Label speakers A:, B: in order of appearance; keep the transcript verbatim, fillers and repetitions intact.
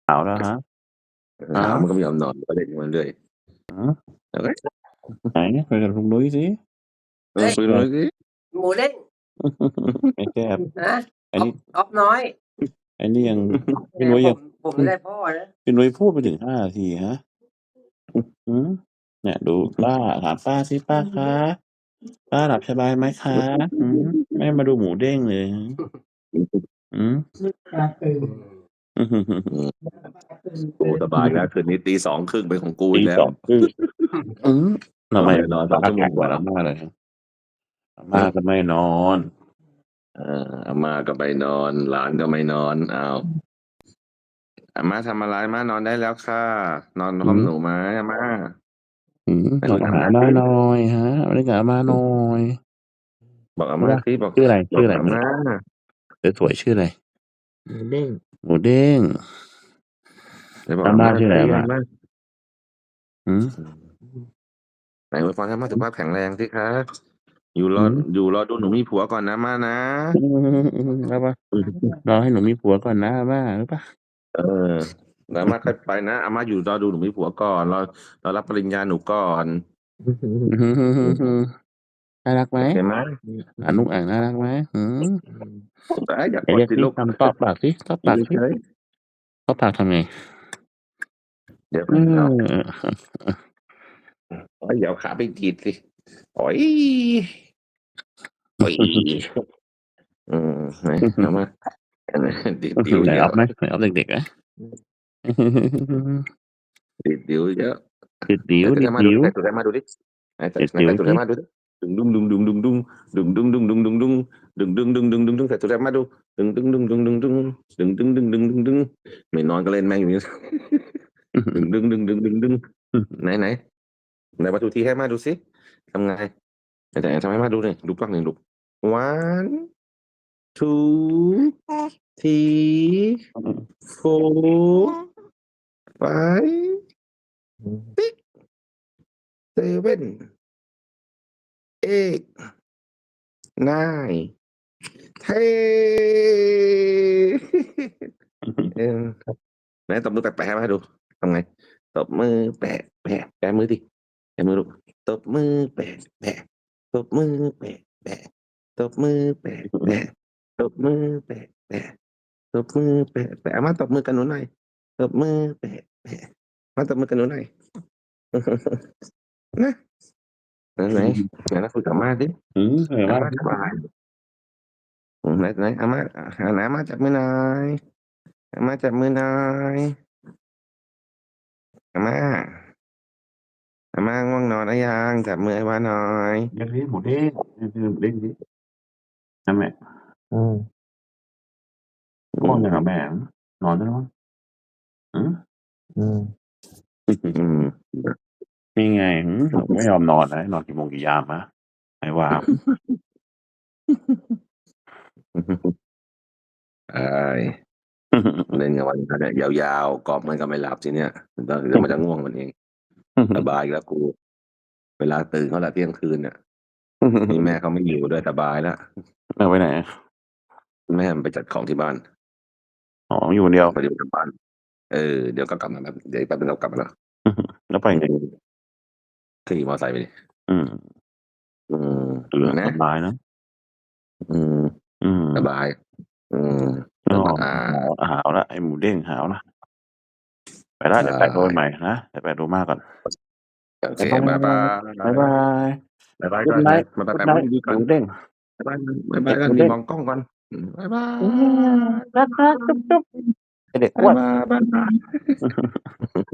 A: หาวแล้วฮะ
B: เออ
A: ฮ
B: หาวมัน
A: ะ
B: ก็ไม่ยอมนอน ก็เล่นของมันเรื่อย
A: หือ
B: แล้วก็
A: ไหน คุยกับลุงนุ้ยสิ
B: เออ
C: เฮ้ย
B: คุยกับลุงนุ้ยสิ
C: หมูเด้ง
A: ไม่แซ่บ
C: ฮะ
A: อันนี้
C: อ๊อบ อ๊อบน้อย
A: อันนี้ยัง
C: แห
A: พี่
C: ม
A: นุ้ยยัง
C: ผม ผม
A: พ
C: ไม่ได้พ่อนะ
A: พี่นุ้ยพูดไปถึง ห้า นาที ฮะ หือ เนี่ยดูป้า ถามป้าสิ "ป้าคะ ป้าหลับสบายไหมคะ? หือ ไม่มาดูหมูเด้งเลย หือ" หือ
B: อืม โอ้ สบายอีกแล้ว คืนนี้ ตี สองครึ่ง เป็นของกู
A: ต
B: อีกแล้ว
A: สอง ครึ่ง อือ ทำไม
B: นอน ส
A: ต
B: อง
A: า
B: ชั่ว
A: แ
B: โ
A: ข
B: ม็งกว่
A: งเหมือ
B: า
A: น
B: แล
A: อ้า
B: ว
A: ม่าเลย อา
B: ฮ
A: ม่า
B: ะ
A: ก็ไม่นอน
B: เออ อาม่าก็ไม่นอน หลานก็ไม่นอน อ้าว อาม่าทำอะไร? อาม่านอนได้แล้วค่ะ นอน
A: ห
B: พร้
A: ื
B: อมหนู
A: อ
B: ไหมอาม่า?
A: หือ
B: ไหน
A: โทรม
B: คุยกั
A: า
B: บอ
A: ห
B: า
A: า
B: ม่า
A: อาม่า
B: สิ
A: หน่อย ฮะ มาเล่นกับอาม่าหน่อย
B: บอกอา
A: ใช่เปล่า
B: ม่าสิ บอก
A: ชื่ออะไร
B: บ
A: ช
B: อืก่
A: ออะไร
B: อาม่า
A: สวย ๆ ชื่ออะไร?
D: หมูเด้ง
A: หมูเด้ง
B: ไปบอก
A: อาม่
B: อาม่
A: า
B: า
A: ชื่ออ
B: ส
A: ะไ
B: ิ
A: ร อา
B: อ
A: ม่า?
B: าม่า
A: หือ
B: อืม ไหนอวยพรให้อาม่า
A: อ
B: สืุข
A: อ
B: ภาพแข็งแรงสิคะ อยู่ร
A: หื
B: อ
A: อ
B: อยู่รอดูหนูมีผัวก่อนนะอาม่านะ
A: อืม ๆ ๆ เอาเปล่า รอให้หนูมีผัวก่อนนะอาม่า รู้เปล่า?
B: เออ เดี๋ยวอาม่าค่อยไปนะ อาม่าอยู่รอดูหนูมีผัวก่อน รอ รอรับปริญญาหนูก่อน
A: น่ารักไหม?
B: โอเคไหม?
A: หลานลุงอั่งน่ารักไหม? หือ
B: ว้าย อย่า
A: ไหนเรียกสิ
B: กดสิลูก
A: ทำ ตอบปากสิ ตอบ
B: อยู
A: ป่ากสิ
B: เฉย ๆ
A: ตอบปากทำไง?
B: เดี๋ยว
A: เ
B: ก
A: อ่
B: อน อ้าว
A: อ
B: โอ๊ย อย่าเอาขาไปดีดสิ โอ๊ย โอ๊ย อืม ไหน อาม่า อันไหน ดีดดิ้ว
A: ไหนอ
B: อีกแล้
A: ๊
B: ว
A: อบไหม? ไหนอ๊อบเด็ก ๆ ไหม?
B: ดีดดิ้วอีกแล้ว
A: ดิดดิ
B: ไหนเตะให้อาม่าดู
A: ๋ว
B: ดิ
A: ๆ
B: แตะตูดให้อาม่าดูดิ ไหนเตะ
A: ดิด
B: ไหน
A: ดิ๋
B: แต
A: ว
B: ะตูด
A: ส
B: ให้
A: ิ
B: อาม่าดูดิ ดึงดุ้ง ดึงดุงดุงดุง ดึงดึงดึงดึงดึงดุง ดึงดึงดึงดึงดึงดึง แตะตูดให้อาม่าดู ดึงดึงดึงดึงดึงดึง ดึงดึงดึงดึงดึงดึง ไม่นอนก็เล่นแม่งอยู่นี่ ดึงดึงดึงดึงดึงดึง ไหน ๆ ไหน one two three ให้อาม่าดูสิ ทำไง? ไหน ๆ ทำให้อาม่าดูหน่อย ดูกล้องหน่อยลูก one two three four five
D: อืม
B: six seven eight nine ten เออ ไหนตบมือแปะ ๆ ให้อาม่าดู ทำไง? ตบมือแปะ ๆ แปะมือสิ แปะมือลูก ตบมือแปะ ๆ ตบมือแปะ ๆ ตบมือแปะ ๆ ตบมือแปะ ๆ ตบมือแปะ ๆ อาม่าตบมือกับหนูหน่อย ตบมือแปะ ๆ มาตบมือกับหนูหน่อย นะ ไหน ๆ ไหนมาคุยกับอาม่าสิ
A: หือ คุยกับ
B: อ
A: อ
B: า
A: าม่า
B: ม่า
A: สิ
B: ทำอะไร? อืม ไหน ไหน อาม่า อ่า ไหนอาม่าจับมือหน่อย อาม่าจับมือหน่อย อาม่า อาม่าง่วงนอนหรือยัง? จับมือให้อาม่าหน่อย
A: เรียกสิ หมูเด้ง เรียกสิ หมูเด้งสิ นั่นแหละ
D: อืม
B: อื
A: ง่วงยังอะ
B: ม
A: แม่? นอนได้แล้วมั้ง หือ
D: อืม
B: อืม
A: นี่ไง หือ หนูไม่ยอมนอนนะ ให้นอนกี่โมงกี่ยามฮะ? ไหนว่า
B: ใช่ เล่นกันวันนั้นน่ะยาว ๆ กอบมันก็ไม่หลับทีเนี้ย เดี๋ยว เดี๋ยวมันจะง่วงมันเอง สบายอีกแล้วกู เวลาตื่นเขาแล้วเที่ยงคืนน่ะ นี่แม่เขาไม่อยู่ด้วย สบายแล้ว
A: แม่ไปไหนอะ?
B: แม่มันไปจัดของที่บ้าน
A: อ๋อ อยู่คนเดียว
B: พอดีมันกลับบ้าน เออ เดี๋ยวก็กลับมาแบบ เดี๋ยวอีกแป๊บหนึ่งก็กลับมาแล้ว
A: แล้วไปไง?
B: ขี่มอไซค์ไปดิ
A: อืม
B: อืม
A: เออ
B: นะ
A: สบายนะ
B: อืม
A: อืม
B: สบาย อืม
A: อ้อ
B: สบา
A: หาว
B: ย
A: หาวแล้ว ไอ้หมูเด้งหาวแล้ว ไปแล้ว
B: ใช
A: เดี๋ยวแปะโทรไปใ
B: ่
A: หม่นะ เดี๋ยวแปะโทรมาก่อน
B: โอเค
A: บ๊ายบ
B: บ๊ายบา
A: าย บ๊ายบาย
B: ย บ๊ายบายก่
A: Good
B: อน ไหน
A: night
B: บ๊ายบาย
A: Good
B: แปะมือ
A: night
B: ดี ๆ ก่
A: หม
B: อูน
A: เด้ง
B: บ๊ายบาย บ๊ายบ
A: เ
B: า
A: ด
B: ย็
A: ก
B: ก่อน นี่
A: หมูเด้ง
B: มองกล้องก่อน อืม บ๊ายบา
A: อืม รัก ๆ
B: ย
A: จุ๊บ ๆ ไอ้เด็ก
B: บ๊
A: อ
B: า
A: ้วน
B: ยบาย บ๊ายบาย